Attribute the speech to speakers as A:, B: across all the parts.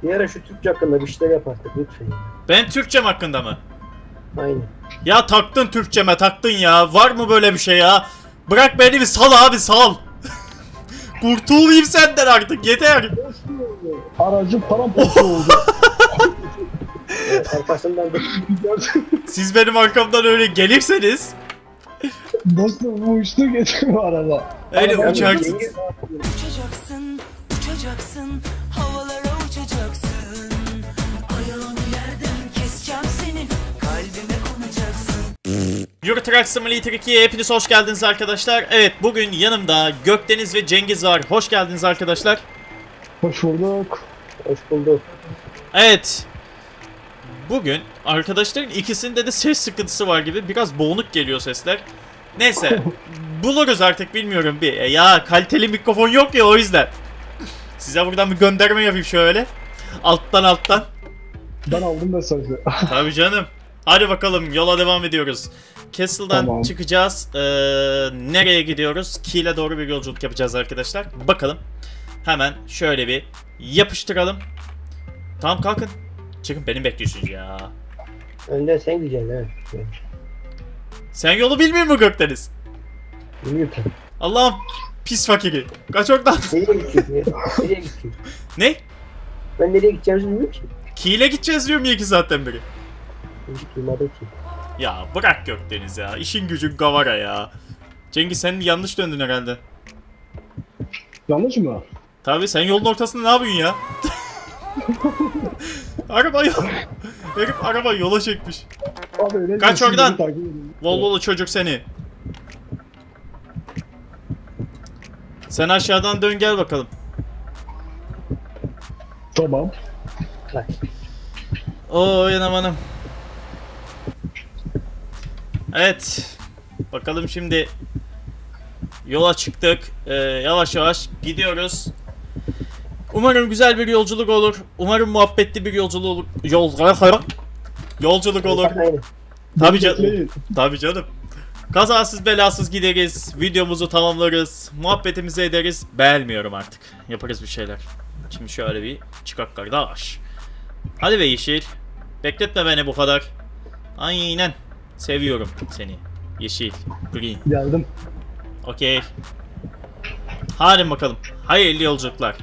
A: Bir ara şu Türkçe hakkında bir şeyler yapardık lütfen.
B: Ben Türkçem hakkında mı?
A: Aynen.
B: Ya taktın Türkçeme taktın ya. Var mı böyle bir şey ya? Bırak beni bir sal abi sal. Kurtulayım senden artık yeter.
C: Aracım paramparça oldu.
A: Arkasından da
B: Siz benim arkamdan öyle gelirseniz.
C: Dostum bu uçtu geçiyor araba.
B: Öyle
C: Araba-
B: uçarsınız.
D: Uçacaksın, uçacaksın, havalara uçacaksın. Ayağını yerden keseceğim senin, kalbime konacaksın.
B: Euro Truck Simulator 2'ye hepiniz hoş geldiniz arkadaşlar. Evet bugün yanımda Gökdeniz ve Cengiz var. Hoş geldiniz arkadaşlar.
C: Hoş bulduk.
A: hoş bulduk.
B: Evet. Bugün arkadaşların ikisinde de ses sıkıntısı var gibi. Biraz boğuk geliyor sesler. Neyse. Buluruz artık bilmiyorum bir. Ya kaliteli mikrofon yok ya o yüzden. Size buradan bir gönderme yapayım şöyle. Alttan.
C: Ben aldım mesajı.
B: Tabii canım. Hadi bakalım yola devam ediyoruz. Castle'dan
C: Tamam.
B: çıkacağız. Nereye gidiyoruz? Kiel'e doğru bir yolculuk yapacağız arkadaşlar. Bakalım. Hemen şöyle bir yapıştıralım. Tamam kalkın. Çıkın beni bekliyorsunuz ya.
A: Önden sen gideceksin evet.
B: Sen yolu bilmiyor musun Gökdeniz?
A: Bilmiyorum tabii.
B: Allah'ım pis fakiri. Kaç oradan.
A: Nereye gideceğiz ya? Nereye gideceğiz?
B: Ne?
A: Ben nereye gideceğimizi bilmiyorum ki.
B: Kiel'e gideceğiz diyorum ya 2 saatten beri.
A: Hiç duymadım ki.
B: Ya bırak Gökdeniz ya. İşin gücün gavara ya. Cengiz sen yanlış döndün herhalde.
C: Yanlış mı?
B: Tabii sen yolun ortasında ne yapıyorsun ya? Herif araba yola çekmiş.
C: Abi öyle
B: Kaç
C: değil,
B: oradan.
C: sizi takip edin.
B: Volvolu çocuk seni. Sen aşağıdan dön gel bakalım.
C: Tamam.
A: Bak.
B: Oo yanamanım. Evet. Bakalım şimdi. Yola çıktık. Yavaş yavaş gidiyoruz. Umarım güzel bir yolculuk olur. Umarım muhabbetli bir yolculuk olur. Yolculuk olur.
A: Aynen.
B: Tabii canım.
C: Bekleyin.
B: Tabii canım. Kazasız belasız gideriz. Videomuzu tamamlarız. Muhabbetimizi ederiz. Beğenmiyorum artık. Yaparız bir şeyler. Şimdi şöyle bir çıkak kardeş. Hadi be Yeşil. Bekletme beni bu kadar. Aynen. Seviyorum seni. Yeşil. Green.
C: Geldim.
B: Okey. Hadi bakalım. Hayırlı yolculuklar.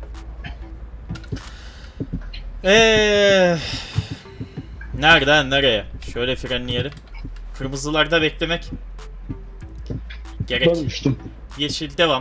B: Nereden nereye? Şöyle frenleyelim. Kırmızılarda beklemek gerek.
C: Ben uçtum.
B: Yeşil devam.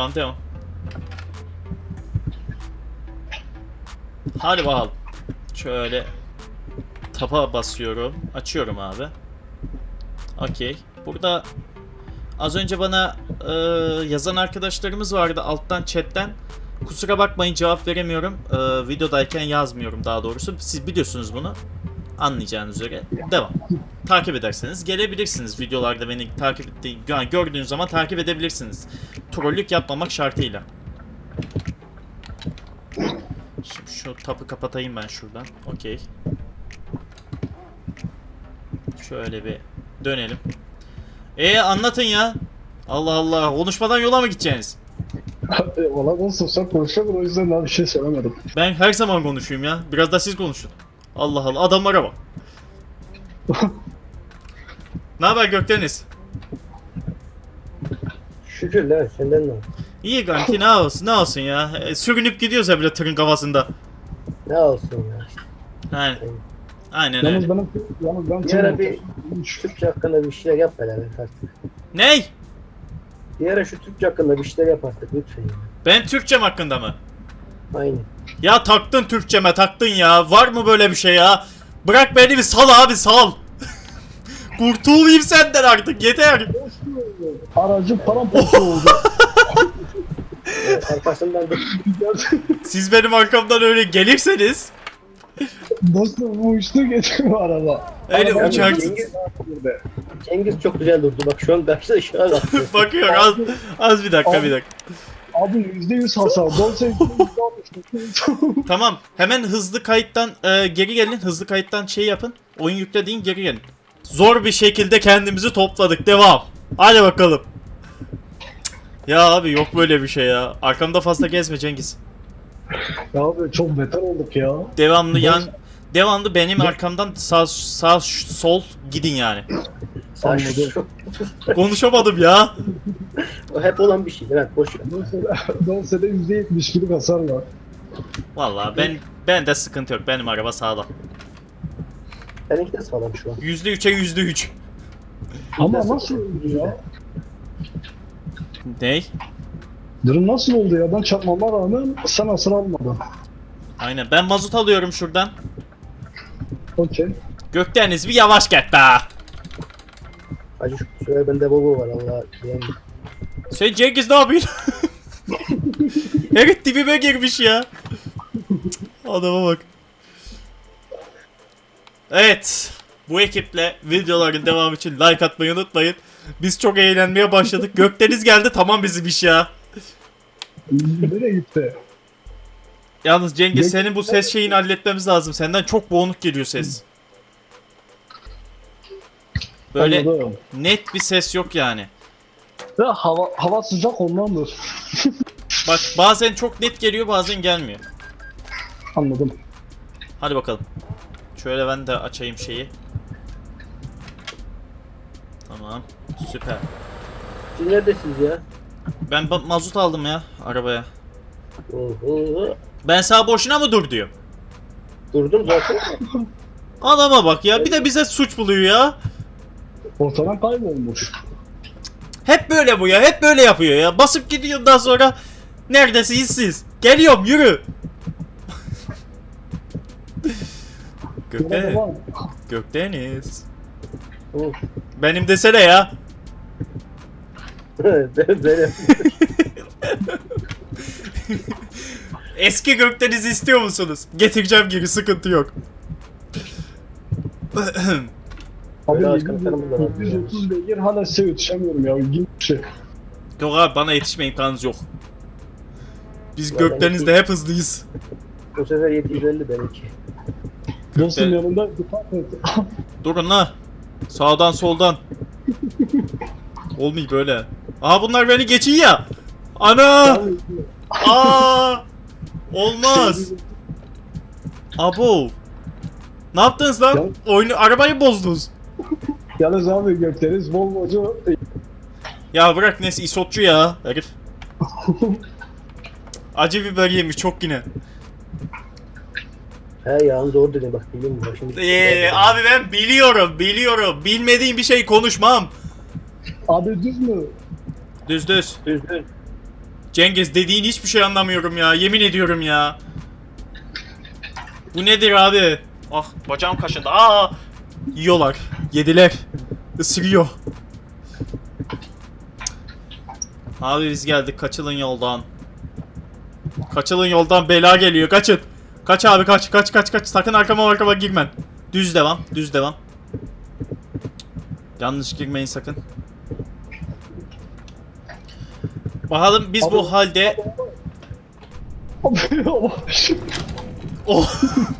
B: Hadi bakalım. Şöyle tapa basıyorum. Açıyorum abi. Okey. Burada az önce bana yazan arkadaşlarımız vardı alttan chatten. Kusura bakmayın cevap veremiyorum. Videodayken yazmıyorum daha doğrusu. Siz biliyorsunuz bunu. Anlayacağınız üzere. Devam. Takip ederseniz gelebilirsiniz. Videolarda beni takip ettiği, yani gördüğünüz zaman takip edebilirsiniz. Trollük yapmamak şartıyla. Şimdi şu tapı kapatayım ben şuradan. Okey. Şöyle bir dönelim. Anlatın ya. Allah Allah. Konuşmadan yola mı gideceksiniz?
C: Valla olsun sen konuşamadın o yüzden daha bir şey söylemedim.
B: Ben her zaman konuşuyum ya. Biraz da siz konuşun. Allah Allah. Adamlara bak. Ne haber Gökdeniz?
A: Şükür lan senden ne oldu?
B: İyi kanki ne olsun ya. Sürünüp gidiyoruz ya bile tırın kafasında.
A: Ne olsun ya.
B: Aynen
C: Yalnız
B: öyle.
C: ben
A: Bir ara bir Türkçe hakkında bir şeyler yap beraber artık.
B: Ney?
A: Bir ara şu Türkçe hakkında bir şeyler yap artık lütfen.
B: Ben Türkçem hakkında mı?
A: Aynen.
B: Ya taktın Türkçeme taktın ya. Var mı böyle bir şey ya? Bırak beni bir sal abi sal. Kurtulayım senden artık yeter.
C: Aracım paramparça oldu.
A: Arkasından da
B: Siz benim arkamdan öyle gelirseniz.
C: Dostum bu uçtu geçiyor araba.
B: Öyle
C: Araba-
B: uçarsınız.
A: Cengiz çok güzel durdu. Bak şu an karşıda şu an atlıyor.
B: Bakıyor az bir dakika.
C: Abi %100 hasar.
B: Tamam hemen hızlı kayıttan geri gelin. Hızlı kayıttan şey yapın. Oyun yüklediğin geri gelin. Zor bir şekilde kendimizi topladık. Devam. Hadi bakalım. Ya abi yok böyle bir şey ya. Arkamda fazla gezme Cengiz.
C: Ya abi çok beter olduk ya.
B: Devamlı benim arkamdan sağ sol gidin yani.
A: Sen
C: Anladım.
B: Konuşamadım ya.
A: O hep olan bir şey. Evet boş ver.
C: Dorsede %70'lik hasar var.
B: Vallahi ben de sıkıntı yok. Benim araba sağlam.
A: Benimki de sağlam şu an.
B: %3'e %3.
C: Ama nasıl oldu ya?
B: Ney?
C: Durum nasıl oldu ya? Ben çarpmama rağmen sen hasar almadın.
B: Aynen. Ben mazot alıyorum şuradan.
C: Okey.
B: Gökdeniz bir yavaş git be.
A: Hacı şu süre bende Volvo var Allah diyen.
B: Sen Cengiz ne yapıyorsun? Herif dibime girmiş ya. Adama bak. Evet. Bu ekiple videoların devamı için like atmayı unutmayın. Biz çok eğlenmeye başladık. Gökdeniz geldi, tamam bizim iş ya.
C: Nereye gitti?
B: Yalnız Cengiz senin bu ses şeyini halletmemiz lazım. Senden çok boğuluk geliyor ses. Böyle
C: Anladım.
B: net bir ses yok yani.
C: Ya hava sıcak ondandır.
B: Bak bazen çok net geliyor, bazen gelmiyor.
C: Anladım.
B: Hadi bakalım. Şöyle ben de açayım şeyi. Tamam. Süper.
A: Siz neredesiniz ya?
B: Ben mazot aldım ya arabaya.
A: Oho.
B: Ben sana boşuna mı dur diyorum.
A: Durdum zaten.
B: Adama bak ya, bir de bize suç buluyor ya.
C: Ortadan kaybolmuş.
B: Hep böyle bu ya, hep böyle yapıyor ya. Basıp gidiyor, daha sonra neredesiniz siz? Geliyorum, yürü. Gökdeniz. Gökdeniz.
A: Oh.
B: Benim desene ya.
A: Benim.
B: Eski Gökdeniz istiyor musunuz? Getireceğim geri, sıkıntı yok.
C: Abi
A: Böyle başkanlarımız da var.
C: 130 beygir hala size yetişemiyorum ya. İlginç bir şey.
B: Yok abi, bana yetişme imkanınız yok. Biz
A: Ya
B: Gökdeniz'de hep hızlıyız.
A: Bu sefer 750 benimki.
C: Dostum yanında dikkat et.
B: Durun la. Sağdan soldan. Olmuyor böyle. Aha bunlar beni geçiyor ya. Ana! Aa! Olmaz. Abo. Ne yaptınız lan? Arabayı bozdunuz.
C: Yalnız abi Gökdeniz Volvo'cu.
B: Ya bırak, neyse isotçu ya herif. Acı biber yemiş çok yine.
A: He yalnız doğru dedim bak biliyor musun? Şimdi
B: Abi ben biliyorum. Bilmediğim bir şey konuşmam.
C: Abi düz mü?
B: Düz.
A: düzgün.
B: Cengiz, dediğin hiçbir şey anlamıyorum ya. Yemin ediyorum ya. Bu nedir abi? Ah, bacağım kaşındı. Aa! Yiyorlar. Yediler. Isırıyor. Abi biz geldik. Kaçılın yoldan. Kaçılın yoldan, bela geliyor. Kaçın. Kaç abi, kaç. Sakın arkama girmen. Düz devam. Yanlış girmeyin sakın. Bakalım biz
C: Abi,
B: bu halde... Oh.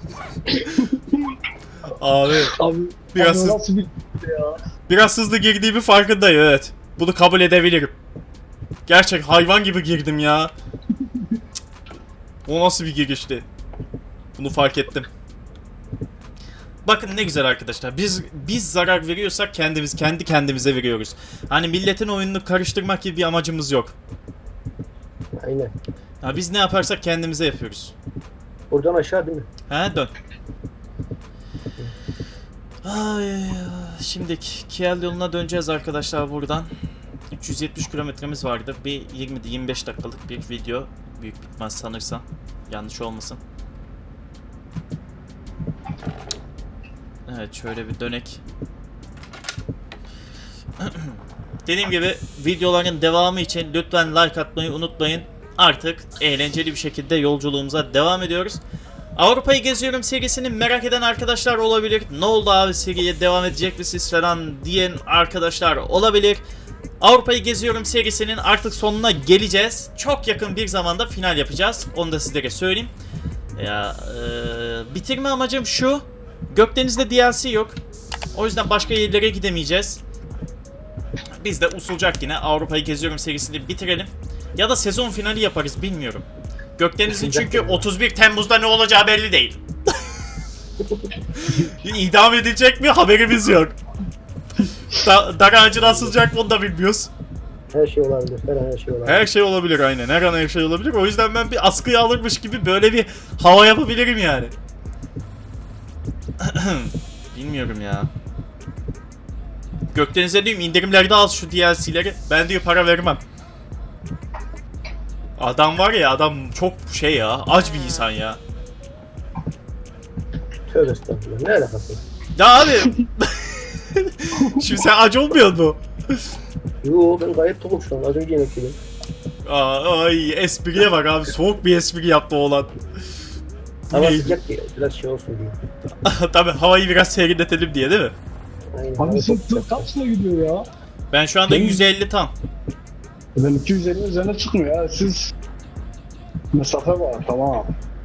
B: Abi biraz
C: abi
B: hızlı,
C: nasıl bir ya?
B: biraz hızlı girdiğimi farkındayım, evet. Bunu kabul edebilirim. Gerçek hayvan gibi girdim ya. O nasıl bir girişti? Bunu fark ettim. Bakın ne güzel arkadaşlar. Biz zarar veriyorsak kendi kendimize veriyoruz. Hani milletin oyununu karıştırmak gibi bir amacımız yok.
A: Aynen.
B: Ya biz ne yaparsak kendimize yapıyoruz.
A: Buradan aşağı değil mi?
B: He, dön. Ay, şimdi Kiel yoluna döneceğiz arkadaşlar buradan. 370 kilometremiz vardı. Bir 20-25 dakikalık bir video. Büyük bitmez sanırsam. Yanlış olmasın. Evet, şöyle bir dönek. Dediğim gibi videoların devamı için lütfen like atmayı unutmayın. Artık eğlenceli bir şekilde yolculuğumuza devam ediyoruz. Avrupa'yı geziyorum serisini merak eden arkadaşlar olabilir. Ne oldu abi, seriye devam edecek misiniz falan diyen arkadaşlar olabilir. Avrupa'yı geziyorum serisinin artık sonuna geleceğiz. Çok yakın bir zamanda final yapacağız. Onu da sizlere söyleyeyim. Ya bitirme amacım şu. Gökdeniz'de DLC yok. O yüzden başka yerlere gidemeyeceğiz. Biz de usulcak yine Avrupa'yı geziyorum serisini bitirelim. Ya da sezon finali yaparız, bilmiyorum. Gökdeniz'in çünkü 31 Temmuz'da ne olacağı belli değil. İdam edilecek mi haberimiz yok. Dar ağacına asılacak mı onu da bilmiyoruz.
A: Her şey olabilir. Her şey olabilir.
B: Her şey olabilir aynen. Her an her şey olabilir. O yüzden ben bir askıya alırmış gibi böyle bir hava yapabilirim yani. Bilmiyorum ya. Gökdeniz'e diyeyim indirimlerde al şu DLC'leri. Ben diyor para vermem. Adam var ya, adam çok şey ya, aç bir insan ya.
A: Tövbe estağfurullah. Ne alakası var?
B: Ya abi. Şimdi sen aç olmuyor mu?
A: Yo ben gayet tokum şu an. Az önce yemek yedim.
B: Ay espriye bak abi, soğuk bir espri yaptı oğlan.
A: Hava sıcak diye. Biraz şey olsun diye.
B: Tabii havayı biraz serinletelim diye değil mi?
A: Aynen.
C: Abi sen tır kaçla gidiyor ya?
B: Ben şu anda 150 tam.
C: Ben 250 üzerine çıkmıyor ya. Siz mesafe var tamam.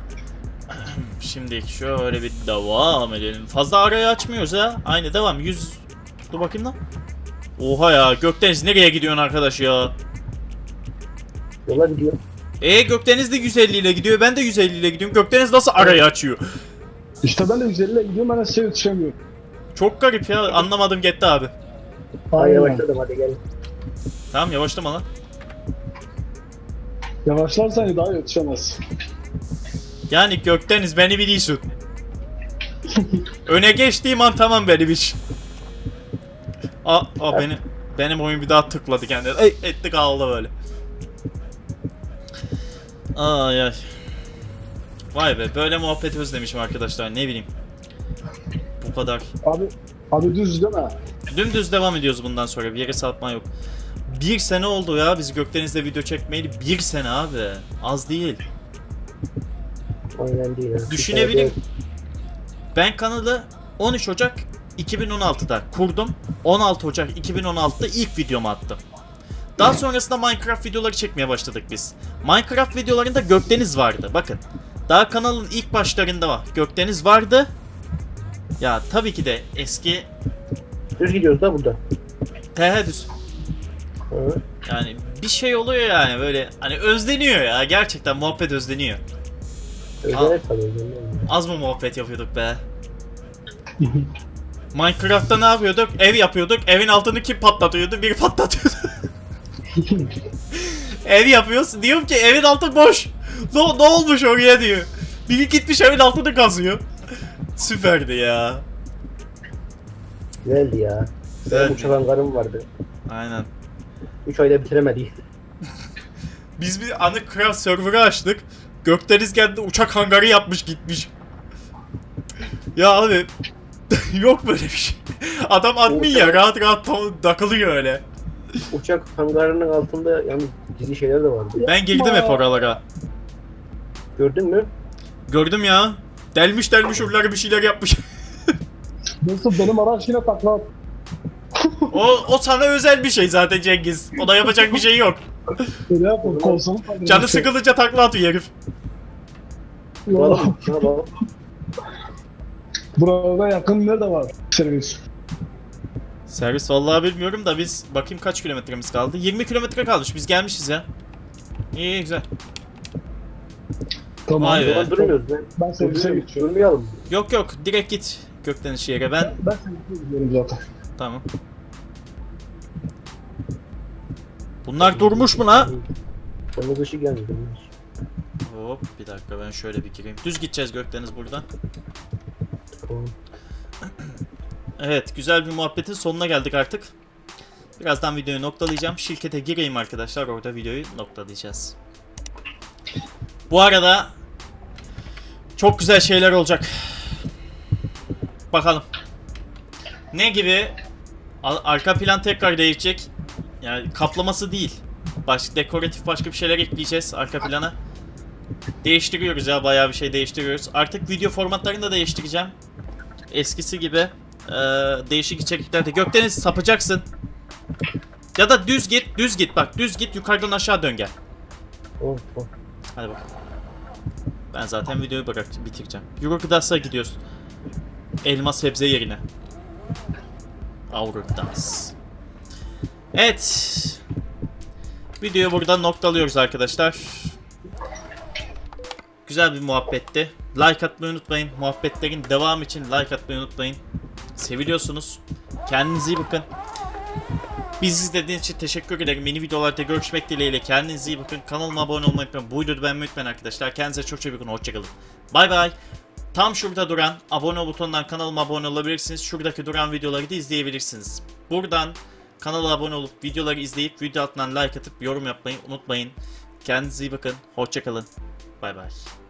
B: Şimdi şöyle bir devam edelim. Fazla arayı açmıyoruz ya. Aynı devam. 100. Dur bakayım lan. Oha ya, Gökdeniz nereye gidiyorsun arkadaş ya?
A: Yola gidiyor.
B: Gökdeniz de 150 ile gidiyor. Ben de 150 ile gidiyorum. Gökdeniz nasıl arayı açıyor?
C: İşte ben de 150 ile gidiyorum, ben de size yetişemiyorum.
B: Çok garip ya. Anlamadım gitti abi.
A: Aynen. Yavaşladım hadi gel.
B: Tamam yavaşlama lan.
C: Yavaşlarsan daha yetişemez.
B: Yani Gökdeniz beni biliyorsun. Öne geçtiğim an tamam benim iş. Benim oyun bir daha tıkladı kendine. Etti kaldı böyle. Ay ay. Vay be, böyle muhabbet özlemişim arkadaşlar, ne bileyim. Bu kadar.
C: Abi düz değil mi?
B: Dümdüz devam ediyoruz bundan sonra, bir yere sapma yok. 1 sene oldu ya biz Gökdeniz'le video çekmeyeli. 1 sene abi. Az değil.
A: Aynen değil.
B: Düşünebilin. Ben kanalı 13 Ocak 2016'da kurdum. 16 Ocak 2016'da ilk videomu attım. Daha sonrasında Minecraft videoları çekmeye başladık biz. Minecraft videolarında Gökdeniz vardı. Bakın. Daha kanalın ilk başlarında var. Gökdeniz vardı. Ya tabii ki de eski...
A: Düz gidiyoruz da burada.
B: He düz.
A: Hı.
B: Yani bir şey oluyor yani böyle. Hani özleniyor ya. Gerçekten muhabbet özleniyor.
A: Özener tabii. Özener.
B: Az mı muhabbet yapıyorduk be? Minecraft'ta ne yapıyorduk? Ev yapıyorduk. Evin altını kim patlatıyordu? Biri patlatıyordu. Ev yapıyoruz. Diyorum ki evin altı boş. Ne olmuş oraya diyor. Biri gitmiş evin altını kazıyor. Süperdi ya.
A: Güzeldi ya.
B: Güzeldi.
A: Benim uçak hangarım vardı.
B: Aynen.
A: 3 ayda bitiremedi.
B: Biz bir Anıcraft server'ı açtık. Gökdeniz geldi uçak hangarı yapmış gitmiş. Ya abi yok böyle bir şey. Adam admin ya, rahat rahat takılıyor öyle.
A: Uçak hangarının altında yalnız gizli şeyler de vardı.
B: Ben girdim hep oralara.
A: Gördün mü?
B: Gördüm ya. Delmiş oraları bir şeyler yapmış.
C: Nasıl benim araç yine takla at.
B: O sana özel bir şey zaten Cengiz. Ona yapacak bir şey yok.
C: Öyle yapma konsolu.
B: Canı sıkılınca takla atıyor herif.
A: Vallahi şuna bak.
C: Burada yakın nerede var servis?
B: Servis vallahi bilmiyorum da biz bakayım kaç kilometremiz kaldı. 20 kilometre kalmış. Biz gelmişiz ya. İyi güzel.
C: Tamam.
B: Vay be.
A: Ulan durmuyoruz ben.
C: Ben servise geçiyorum.
A: Durmayalım.
B: Yok direkt git Gökdeniz şehre. Ben
C: Ben servise gidiyorum zaten.
B: tamam. Bunlar durmuş mu la?
A: Kırmızı ışık gelmedi.
B: Hop bir dakika ben şöyle bir gireyim. Düz gideceğiz Gökdeniz buradan.
A: Tamam.
B: Evet, güzel bir muhabbetin sonuna geldik artık. Birazdan videoyu noktalayacağım. Şirkete gireyim arkadaşlar, orada videoyu noktalayacağız. Bu arada çok güzel şeyler olacak. Bakalım. Ne gibi? Arka plan tekrar değişecek. Yani kaplaması değil. Dekoratif başka bir şeyler ekleyeceğiz arka plana. Değiştiriyoruz ya, bayağı bir şey değiştiriyoruz. Artık video formatlarını da değiştireceğim. Eskisi gibi değişik içeriklerde. Gökdeniz sapacaksın. Ya da düz git bak, düz git yukarıdan aşağı dön gel.
A: Oh.
B: Hadi bakalım. Ben zaten videoyu bitireceğim. Eurogdas'a gidiyoruz. Elma sebze yerine. Eurogdas. Evet. Videoyu burada noktalıyoruz arkadaşlar. Güzel bir muhabbetti. Like atmayı unutmayın. Muhabbetlerin devamı için like atmayı unutmayın. Seviliyorsunuz. Kendinize iyi bakın. Bizi izlediğiniz için teşekkür ederim. Yeni videolarda görüşmek dileğiyle. Kendinize iyi bakın. Kanalıma abone olmayı unutmayın. Bu videoyu beğenmeyi unutmayın arkadaşlar. Kendinize çok çok iyi bakın. Hoşçakalın. Bay bay. Tam şurada duran abone ol butonundan kanalıma abone olabilirsiniz. Şuradaki duran videoları da izleyebilirsiniz. Buradan kanala abone olup videoları izleyip video altından like atıp yorum yapmayı unutmayın. Kendinize iyi bakın. Hoşçakalın. Bay bay.